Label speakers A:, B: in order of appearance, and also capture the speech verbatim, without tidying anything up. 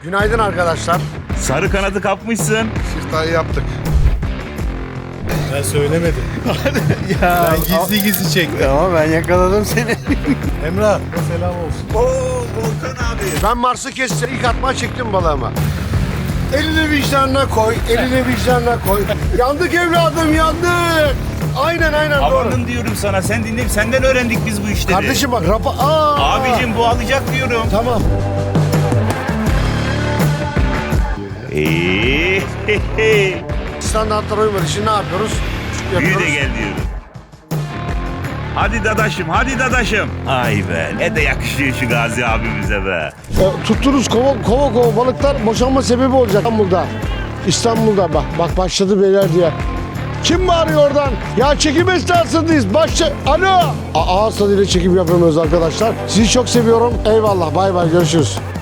A: Günaydın arkadaşlar.
B: Sarı kanadı kapmışsın.
C: Siftahı yaptık.
D: Ben söylemedim.
A: Ya,
D: Ben gizli gizli çektim.
A: ama ben yakaladım seni.
D: Emrah, selam olsun.
B: Oo Volkan abi.
A: Ben Mars'ı kestim. İlk atma çektim balığımı. Elini vicdanına koy, elini vicdanına koy. Yandık evladım, yandık. Aynen aynen doğru.
B: Amanın diyorum sana, sen dinle, senden öğrendik biz bu işleri.
A: Kardeşim bak rapa... Aa,
B: Abicim bu alacak diyorum.
A: Tamam.
B: Eee.
A: Standartlara uymadı. Şimdi ne yapıyoruz?
B: Büyü
A: Yapıyoruz.
B: de gel diyorum. Hadi dadaşım, hadi dadaşım. Ay be, ne de yakışıyor şu Gazi abimize be.
A: E, tuttuğunuz kova, kova kova balıklar boşanma sebebi olacak İstanbul'da. İstanbul'da bak bak başladı beyler diye. Kim bağırıyor oradan? Ya çekim esnasındayız. Başla... Alo! A ağız tadıyla çekim yapıyoruz arkadaşlar. Sizi çok seviyorum. Eyvallah. Bay bay. Görüşürüz.